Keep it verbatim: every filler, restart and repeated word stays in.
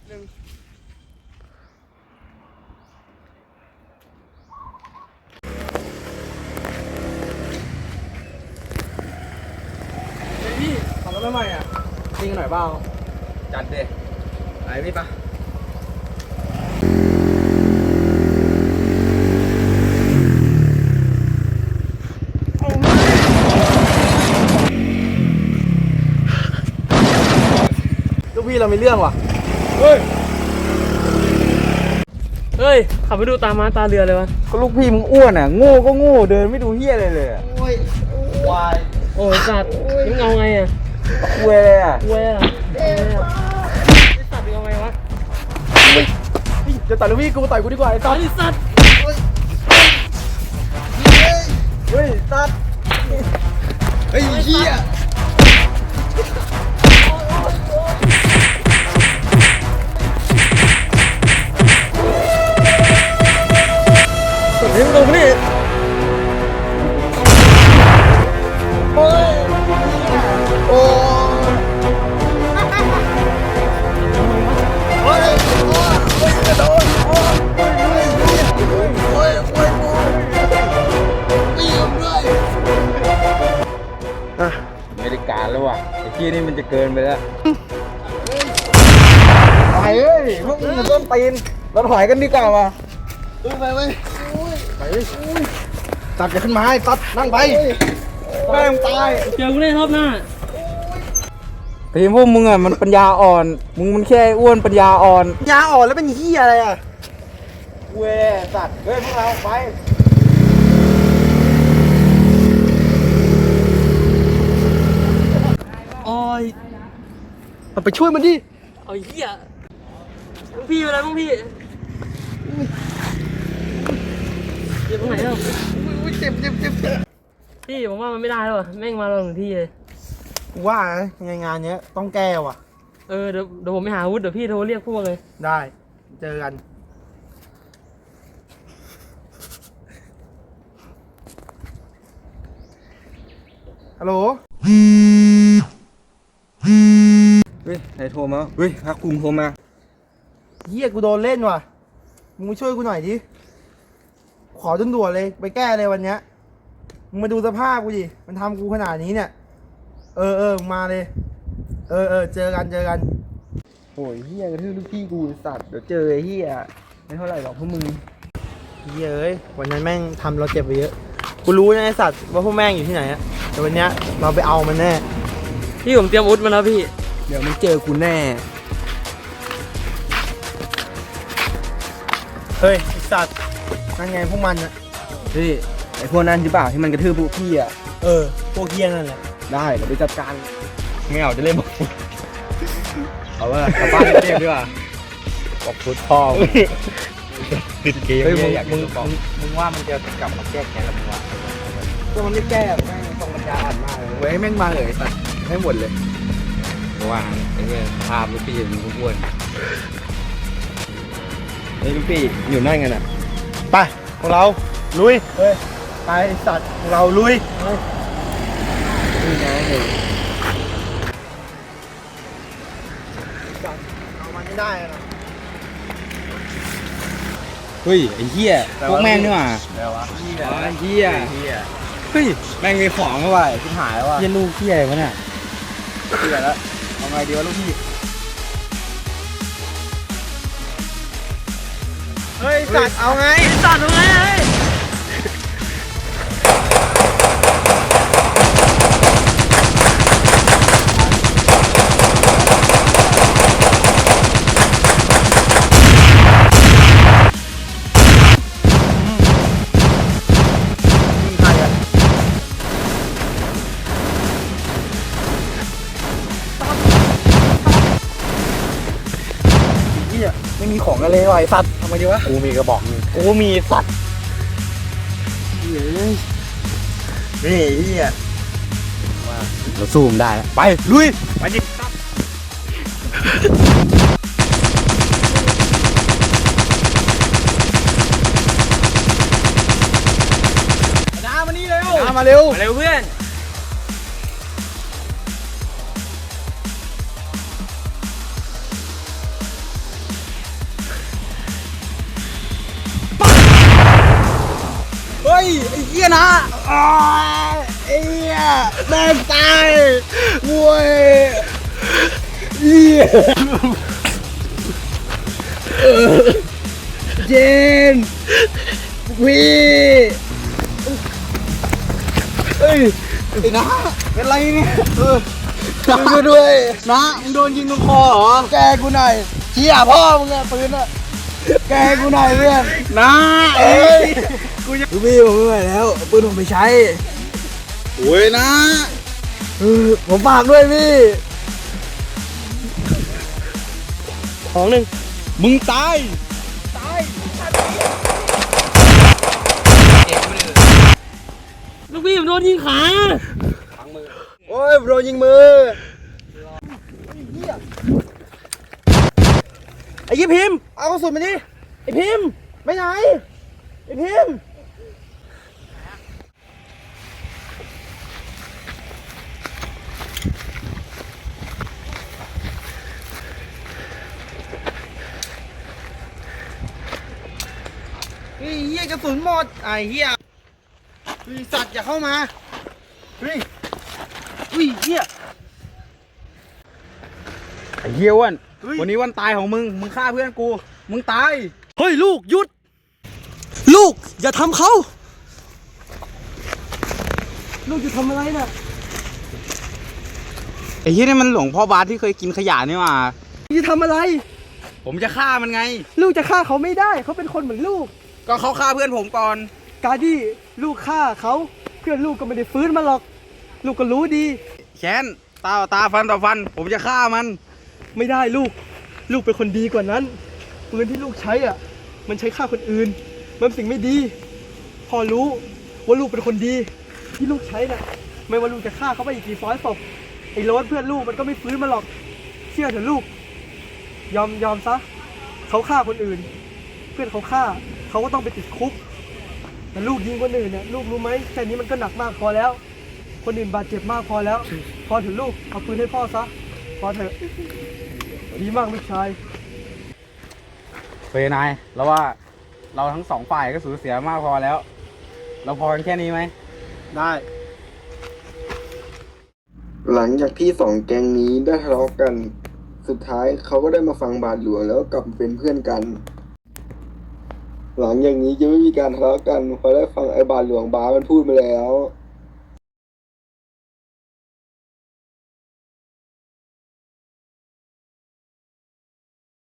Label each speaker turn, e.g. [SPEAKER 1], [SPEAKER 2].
[SPEAKER 1] หนึ่งเฮ้ยพี่ขับรถทำไมอ่ะจริงกันหน่อยเปล่า
[SPEAKER 2] จัดเด็ไปพี่ปะ
[SPEAKER 1] ลูกพี่เรามีเรื่องว่ะ
[SPEAKER 2] เฮ้ย
[SPEAKER 3] เฮ้ยขับไปดูตาม้าตาเรือเลยวะ
[SPEAKER 2] ก็ลูกพี่มึงอ้วนอ่ะโง่ก็โง่เดินไม่ดูเฮี้ยอะไรเลยอ่ะโอ้ยวาย
[SPEAKER 3] โอ้ยสัตว์มึงเอาไงอ่ะ
[SPEAKER 2] คุยเลยอ่ะ
[SPEAKER 3] คุยอ่ะคุยอ่ะสัตว์มึงเอาไงวะ
[SPEAKER 1] จะต่อยลูกพี่กูต่อยกูดีกว่าไอ้
[SPEAKER 3] ตอ
[SPEAKER 1] สัส
[SPEAKER 3] นสัตว์
[SPEAKER 2] เฮ้ยสัตว์เฮ้ยเฮี้ย
[SPEAKER 3] เฮ้ยมึงลงมาดิ
[SPEAKER 2] โอ้ยโอ้ยโอ้ยโอ้ยกระโดดโอ้ยโอ้ยโอ้ยโอ้ยโอ้ยไม่ยอมด้วยอ่ะไม่ได้การแล้วว่ะไอ้ขี้นี่มันจะเกินไปแล้วไปเอ้ยพวกมึงต้นตีนเราถอยกันดีกว่าว่ะไปไปไปตัดกันขึ้นมาให้ตัดนั่งไปแม่งตาย
[SPEAKER 3] เจอกูได้รอบหน้า
[SPEAKER 2] ทีมพวกมึงอ่ะมันปัญญาอ่อนมึงมันแค่อ้วนปัญญาอ่อน
[SPEAKER 1] ยาอ่อนแล้วเป็นเหี้ยอะไรอ่ะ
[SPEAKER 2] เว้ยสัตว์เฮ้ยพวกเราไป
[SPEAKER 1] โอ้ยเอาไปช่วยมันดิ
[SPEAKER 3] เอาเหี้ยมึงพี่อะไรมึงพี่เจ็บตรงไหนเล่า
[SPEAKER 1] อุ้ยเจ็บเจ็บเจ็บเจ็บ
[SPEAKER 3] พี่ผมว่ามันไม่ได้แล้วแม่งมาเราถึงที่เลย
[SPEAKER 1] ว่าไงงานเนี้ยต้องแก้ว่ะ
[SPEAKER 3] เออเดี๋ยวเดี๋ยวผมไปหาอาวุธเดี๋ยวพี่โทรเรียกพวกเลย
[SPEAKER 1] ได้เจอกันฮัลโหล
[SPEAKER 2] เฮ้ยไหนโทรมาเฮ้ยพักภูมิโทรมา
[SPEAKER 1] เฮียกูโดนเล่นว่ะมึงมาช่วยกูหน่อยดิขอจนด่วนเลยไปแก้เลยวันเนี้ยมึงมาดูสภาพกูดิมันทำกูขนาดนี้เนี่ยเออเออมาเลยเออเออเจอกันเจอกัน
[SPEAKER 2] โอ้ยเฮียกระทืบลูกพี่กูสัตว์เดี๋ยวเจอไอ้เฮียไม่เท่าไหร่หรอกพวกมึง
[SPEAKER 1] เฮียเอ้ยวันนั้นแม่งทำเราเจ็บไปเยอะกูรู้นะไอ้สัตว์ว่าพวกแม่งอยู่ที่ไหนอะแต่วันเนี้ยเราไปเอามันแน่
[SPEAKER 3] พี่ผมเตรียมอาวุธมาแล้วพี่
[SPEAKER 2] เดี๋ยวมันเจอกูแน่
[SPEAKER 1] เฮ้ยไอ้สัตว์นั่นไงพวกมันอะ
[SPEAKER 2] เฮ้ยไอ้พวกนั้นหรือเปล่าที่มันกระทืบพวกพี่อ่ะ
[SPEAKER 1] เออพวกเฮียนั่นแหละ
[SPEAKER 2] ได้เดี๋ยวไปจัดการไม่เอาจะเล่นบอกเอาว่ากลับบ้านเรียกดีกว่าบอกพุทธพ่อติดเกมไม่อยากมึงมึงว่ามันจะกลับมาแก้แค้นแล้วมึงวะ
[SPEAKER 1] ก็มันไม่แก้แม่งตรงปัญญาอ่อนมากเลย
[SPEAKER 2] เว้ยแม่งมาเลยสัตว์ให้หมดเลยว่าไอ้เนี่ยภาพลูกพี่มึงอ้วนไอ้ลูกพี่อยู่นั่นกันอ่ะ
[SPEAKER 1] ไปพวกเราลุยเฮ้ยไปสัตว์พวกเราลุย
[SPEAKER 2] นี่ไง
[SPEAKER 1] เอามันไม่ได้นะ
[SPEAKER 2] เฮ้ยไอ้เหี้ยพวกแม่งนี่หว่า
[SPEAKER 1] แล้ววะ
[SPEAKER 2] เหี้ยเหี้ยเฮ้ยแม่งมีของเข้าไปชิบหายแล้วว่ะเหี้ยลูกเหี้ยวะเนี่ยเหี้ยแล้วเอาไงดีวะลูกพี่
[SPEAKER 1] เฮ้ยสัตว์เอาไง
[SPEAKER 3] สัตว์เอาไงเฮ้ย
[SPEAKER 1] ไม่มีของกันเลยว่ะไอ้สัตว์ทำไมดีวะ
[SPEAKER 2] กูมีกระบอกนึง
[SPEAKER 1] กูมีสัตว์เฮ้ยนี่เฮีย
[SPEAKER 2] เราสู้มันได้ไปลุยไปดิ
[SPEAKER 1] ดามานี่เร็วดามาเร็ว
[SPEAKER 3] มาเร็วเพื่อน
[SPEAKER 2] หี้ยนะอ้าวไอ้เหี้ยแม่งตายโว้ยเหี้ยเจนวีเอ้ยไอ้นะเป็นไรเนี่ยเออช่วยด้วยนะมึงโดนยิงตรงคอเหรอแกกูหน่อยเชี่ยพ่อมึงอะปืนอะแกกูหน่อยเพื่อนนะเอ้ยกูจะพี่ผมไม่ไหวแล้วเอาปืนผมไปใช้โอ้ยนะเออผมฝากด้วยพี่
[SPEAKER 3] ของหนึ่ง
[SPEAKER 2] มึงตาย
[SPEAKER 3] ลูกพี่ผมโดนยิงขา
[SPEAKER 2] โอ้ยโดนยิงมือ
[SPEAKER 1] ไอ้ยี่พิมพ์เอากระสุนมาดิไอ้พิมพ์ไปไหนไอ้พิมพ์เฮ้ยเหี้ยกระสุนหมดไอ้เหี้ยเฮ้ยสัตว์อย่าเข้ามาเฮ้ยอุ้ยเหี้ย
[SPEAKER 2] ไอ้เหี้ยอ้วนวันนี้วันตายของมึง มึงฆ่าเพื่อนกู มึงตาย
[SPEAKER 3] เฮ้ยลูกหยุด ลูกอย่าทำเขาลูกจะทำอะไรน่ะ
[SPEAKER 2] ไอ้เหี้ยนี่มันหลวงพ่อบาสที่เคยกินขยะนี่หว่า
[SPEAKER 3] จะทำอะไร
[SPEAKER 2] ผมจะฆ่ามันไง
[SPEAKER 3] ลูกจะฆ่าเขาไม่ได้เขาเป็นคนเหมือนลูก
[SPEAKER 2] ก็เขาฆ่าเพื่อนผมก่อน
[SPEAKER 3] การที่ลูกฆ่าเขาเพื่อนลูกก็ไม่ได้ฟื้นมาหรอก ลูกก็รู้ดี
[SPEAKER 2] แค้นตาต่อตาฟันต่อฟัน ผมจะฆ่ามัน
[SPEAKER 3] ไม่ได้ลูก ลูกเป็นคนดีกว่านั้นปืนที่ลูกใช้อ่ะ มันใช้ฆ่าคนอื่น มันเป็นสิ่งไม่ดีพ่อรู้ว่าลูกเป็นคนดี ที่ลูกใช้น่ะ ไม่ว่าลูกจะฆ่าเขาไปอีกกี่ร้อยศพไอ้โรสเพื่อนลูกมันก็ไม่ฟื้นมาหรอก เชื่อเถอะลูก ยอมยอมซะเขาฆ่าคนอื่น เพื่อนเขาฆ่าเขาก็ต้องไปติดคุก แต่ลูกยิงคนอื่นเนี่ยลูกรู้ไหมแค่นี้มันก็หนักมากพอแล้ว คนอื่นบาดเจ็บมากพอแล้ว พอเถอะลูกเอาปืนให้พ่อซะพอเถอะดีมากลูกชาย
[SPEAKER 2] เฟยนายแล้วว่าเราทั้งสองฝ่ายก็สูญเสียมากพอแล้ว เราพอกันแค่นี้ไหม
[SPEAKER 1] ได้
[SPEAKER 4] หลังจากที่สองแก๊งนี้ได้ทะเลาะกัน สุดท้ายเขาก็ได้มาฟังบาทหลวงแล้วกลับมาเป็นเพื่อนกัน หลังอย่างนี้จะไม่มีการทะเลาะกันเพราะได้ฟังไอ้บาทหลวงบาสมันพูดมาแล้ว